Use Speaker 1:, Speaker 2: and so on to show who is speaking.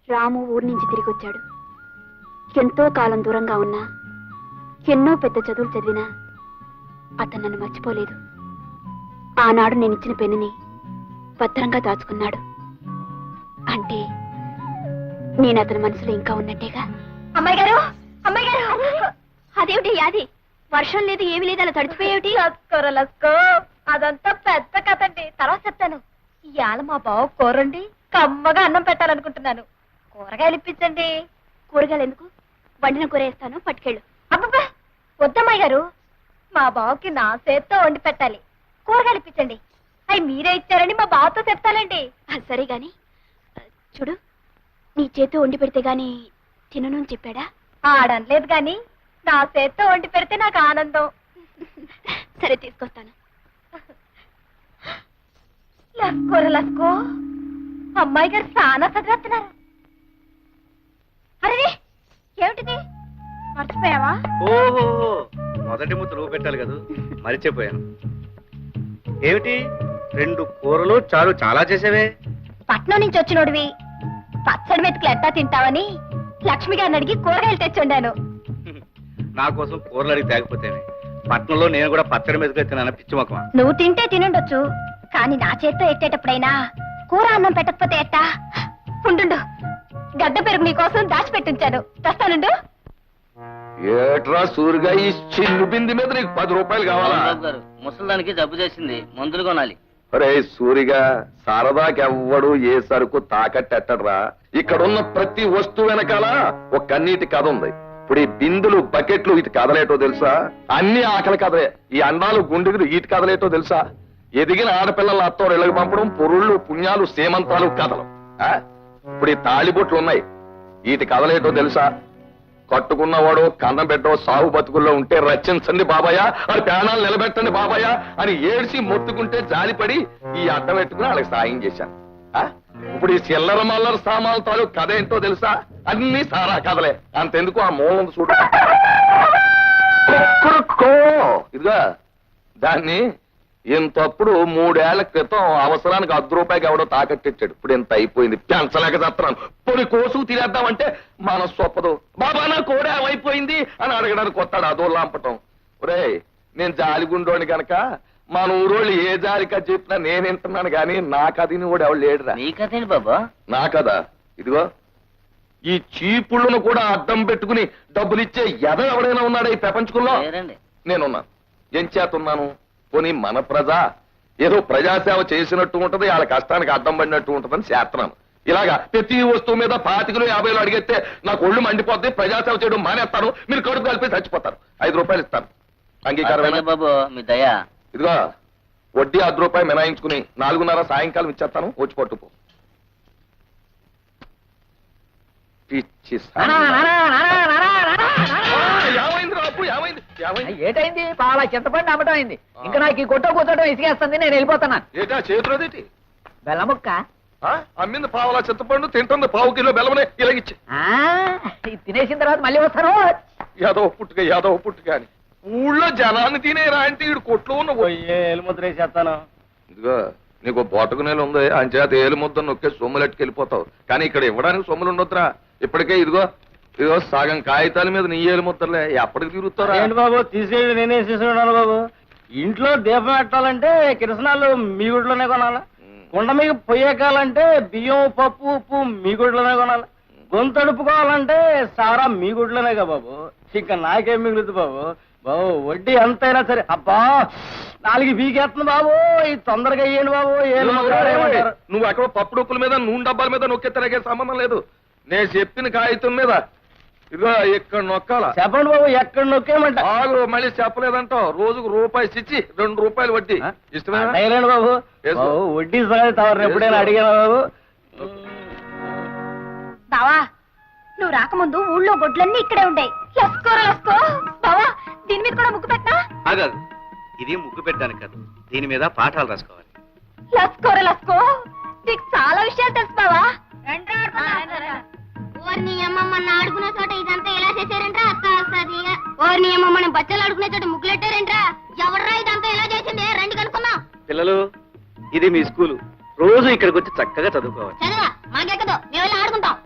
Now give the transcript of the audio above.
Speaker 1: రాము ఊరి నుంచి తిరిగొచ్చాడు. ఎంతో కాలం దూరంగా ఉన్నా, ఎన్నో పెద్ద చదువులు చదివినా అతను నన్ను మర్చిపోలేదు. ఆనాడు నేనిచ్చిన పెన్నుని భద్రంగా దాచుకున్నాడు. అంటే నేను అతని మనసులో ఇంకా ఉన్నట్టేగా. అమ్మాయి గారు, అమ్మాయి గారు, అదేమిటి యాది? వర్షం లేదు, ఏమి లేదు, అలా తడిచిపోయేమిటి?
Speaker 2: లస్కో అదంతా పెద్ద కథండి, తర్వాత చెప్తాను. ఇవాళ మా బావ కూరండి కమ్మగా అన్నం పెట్టాలనుకుంటున్నాను. కూరగాయలు ఇప్పించండి.
Speaker 1: కూరగాయలు ఎందుకు? వండిన కూర వేస్తాను, పట్టుకెళ్ళు.
Speaker 2: అబ్బబ్బా వద్దమ్మాయి గారు, మా బావకి నా చేత్తో వండి పెట్టాలి. కూరగాయలు ఇప్పించండి. అవి మీరే ఇచ్చారని మా బావతో చెప్తానండి.
Speaker 1: సరే గాని చూడు, నీ చేతితో వండి పెడితే గాని తినను అని చెప్పాడా?
Speaker 2: ఆడనలేదు గాని నా చేత్తో వండి పెడితే నాకు ఆనందం.
Speaker 1: సరే తీసుకొస్తాను.
Speaker 2: లస్కోర లస్కో, అమ్మాయి గారు చాలా చదివేస్తున్నారు. అరే ఏమిటిది, మర్చిపోయావా?
Speaker 3: ఓహో, మొదటి ముద్ద నువ్వు పెట్టాలి కదా, మరిచిపోయాను. ఏమిటి 2 కూరలు చాలు, చాలా చేసేవే.
Speaker 2: పట్నం నుంచి వచ్చినోడివి పచ్చడి మెతుకులు ఎట్టా తింటావని లక్ష్మి గారిని అడిగి కూరగాయలు తెచ్చుండాను.
Speaker 3: నా కోసం కూరలు అడిగి తేకపోతేనే. పట్నంలో నేను కూడా పచ్చడి మీద తిన్నాను, పిచ్చి మొక్కమా.
Speaker 2: నువ్వు తింటే తినుండొచ్చు, కానీ నా చేత్తో ఎట్టేటప్పుడైనా కూర అన్నం పెట్టకపోతే ఎట్టా? ఉండు, గడ్డ పెరుగు నీకోసం దాచిపెట్టించాను, తెస్తానుండు.
Speaker 4: ఏట్రా సూరిగా ఈ చిల్లు బింది మీద నీకు 10 రూపాయలు కావాలా?
Speaker 5: ముసలానికి జబ్బు చేసింది, మందులు కొనాలి.
Speaker 4: అరే సూరిగా, సరదాకెవ్వడు ఏ సరుకు తాకట్టెట్టడ్రా. ఇక్కడున్న ప్రతి వస్తువు వెనకాల ఒక కన్నీటి కథ ఉంది. ఇప్పుడు ఈ బిందులు, బకెట్లు ఇటు కదలేటో తెలుసా? అన్ని ఆకలి కథలే. ఈ అండాలు, గుండెలు ఇటు కదలేటో తెలుసా? ఎదిగిన ఆడపిల్లల అత్తో ఇళ్ళకి పంపడం, పొరుళ్ళు, పుణ్యాలు, సేమంతాలు కథలు. ఇప్పుడు ఈ తాళిబొట్లు ఉన్నాయి, వీటి కదలేటో తెలుసా? కట్టుకున్నవాడు కన్నం పెట్టో సాగు బతుకుల్లో ఉంటే రచించండి బాబాయ్, అది ప్రాణాలు నిలబెట్టండి బాబాయ్ అని ఏడ్చి మొత్తుకుంటే జాలిపడి ఈ అడ్డం పెట్టుకుని వాళ్ళకి సాయం చేశాను. ఇప్పుడు ఈ చిల్లర మల్లర సామాన్ల తాలూకు కథ ఏంటో తెలుసా? అన్ని సారా కథలే. అంతెందుకు ఆ మూలం చూడు, ఇదిగా దాన్ని ఇంతప్పుడు 3 ఏళ్ల క్రితం అవసరానికి 10 రూపాయకి ఎవడో తాకట్టిచ్చాడు. ఇప్పుడు ఇంత అయిపోయింది, పెంచలేక చేస్తున్నాను. పొడి కోసు తినేద్దామంటే మనస్సు ఒప్పదు. బాబా నా కోడే అయిపోయింది అని అడగడానికి వస్తాడు, అదో లాంపటం. ఒరే నేను జాలిగుండోని గనక మన ఊరోళ్ళు ఏ జాలికా చెప్పినా నేను వింటున్నాను గాని నా కథని కూడా ఎవడు లేడురా.
Speaker 5: నీ కథేంటి బాబా?
Speaker 4: నా కదా ఇదిగో, ఈ చీపుళ్ళను కూడా అడ్డం పెట్టుకుని డబ్బులిచ్చే ఎద ఎవడైనా ఉన్నాడా ఈ ప్రపంచంలో? నేనున్నాను. ఏం చేతున్నాను? పోనీ మన ప్రజ ఏదో ప్రజాసేవ చేసినట్టు ఉంటది, వాళ్ళ కష్టానికి అడ్డం పడినట్టు ఉంటదని చేస్తున్నాను. ఇలాగా ప్రతి వస్తువు మీద 25 50 అడిగితే నాకు ఒళ్ళు మండిపోద్ది, ప్రజాసేవ చేయడం మానేస్తాను, మీరు కడుపు కలిపి చచ్చిపోతారు. 5 రూపాయలు ఇస్తాను, అంగీకారమేనా
Speaker 5: బాబు? మీ దయా.
Speaker 4: ఇదిగో వడ్డీ 10 రూపాయలు మినాయించుకుని 4:30 సాయంకాలం ఇచ్చేస్తాను, వచ్చి పట్టుకో. పిచ్చి
Speaker 6: ఏటైంది? పాల చింతపండు అమ్మటం అయింది. ఇంకా నాకు ఈ కొట్ట కూర్చోటం ఇసుకేస్తుంది, నేను వెళ్ళిపోతున్నాను.
Speaker 4: ఏటా చేతులదేటి?
Speaker 6: బెల్లముక్క
Speaker 4: అమ్మింది పావులా చింతపండు, తింటుంది 1/2 కిలో బెల్లమనే ఇలాగిచ్చి.
Speaker 6: తినేసిన తర్వాత మళ్ళీ వస్తాను.
Speaker 4: యాదవ పుట్టుక అని ఊళ్ళో జనాన్ని తినేరా అంటే ఈడు కొట్లో ఉన్న
Speaker 3: ఎలుముద్ర వేసేస్తాను.
Speaker 4: ఇదిగో నీకు బోటకు నేలు ఉంది, అంచేత ఏలుముద్ద నొక్కే సొమ్ములెట్టుకు వెళ్ళిపోతావు. కానీ ఇక్కడ ఇవ్వడానికి సొమ్ములు ఉండొద్దురా. ఇప్పటికే ఇదిగో సగం కాగితాల మీద నీ ఏలుముద్దలే, ఎప్పటికి తిరుగుతారా?
Speaker 3: ఏంటి బాబు తీసేయండి, నేనే తీసుకున్నాను బాబు. ఇంట్లో దీపం పెట్టాలంటే కిరసనాలు మీ గుడిలోనే కొనాలి, కుండ మీకు పొయ్యకాలంటే బియ్యం, పప్పు, ఉప్పు మీ గుడిలోనే కొనాలి, గొంతు అడుపుకోవాలంటే సారా మీ గుడిలోనేగా బాబు. ఇంకా నాకేం మిగులుతుంది బాబు? బాబు వడ్డీ ఎంతైనా సరే. అబ్బా 4 బీకేస్తుంది బాబు, ఇది తొందరగా అయ్యండి బాబు.
Speaker 4: నువ్వు ఎక్కడ పప్పు డొక్కుల మీద, నూనె డబ్బాల మీద నొక్కే తిరగే సంబంధం లేదు. నేను చెప్పిన కాగితం మీద ఇదిగో ఇక్కడ నొక్కాల.
Speaker 3: చెప్పండి బాబు, ఎక్కడ నొక్కేయమంట?
Speaker 4: ఆగు, మళ్ళీ చెప్పలేదంటావు. రోజుకు రూపాయి ఇచ్చి 2 రూపాయలు వడ్డీ.
Speaker 3: ఇష్టమేనా బాబు? వడ్డీ తవరు ఎప్పుడైనా అడిగాను బాబు?
Speaker 2: బావా నువ్వు రాకముందు ఊళ్ళో గొడ్లన్నీ ఇక్కడే ఉంటాయి. లస్కో బావా, దీని మీద కూడా ముగ్గు పెట్టా?
Speaker 3: ఆగదు, ఇది ముగ్గు పెట్టడానికి కాదు, దీని మీద పాఠాలు రాసుకోవాలి.
Speaker 2: లస్కో నీకు చాలా విషయాలు తెలుసు బావా.
Speaker 1: ఓర్ని అమ్మమ్మని ఆడుకునే చోట ఇదంతా ఎలా చేశారంట్రా? అక్క వస్తుంది. ఓర్ని అమ్మమ్మని బచ్చలు ఆడుకునే చోట ముగ్గులెట్టారంట్రా? ఎవర్రా ఇదంతా ఎలా చేసింది? రండి కనుక్కుందాం.
Speaker 3: పిల్లలు, ఇది మీ స్కూలు, రోజు ఇక్కడికి వచ్చి చక్కగా చదువుకోవాలి.
Speaker 1: చదవా మాకెక్కదు, మేము వెళ్ళి ఆడుకుంటాం.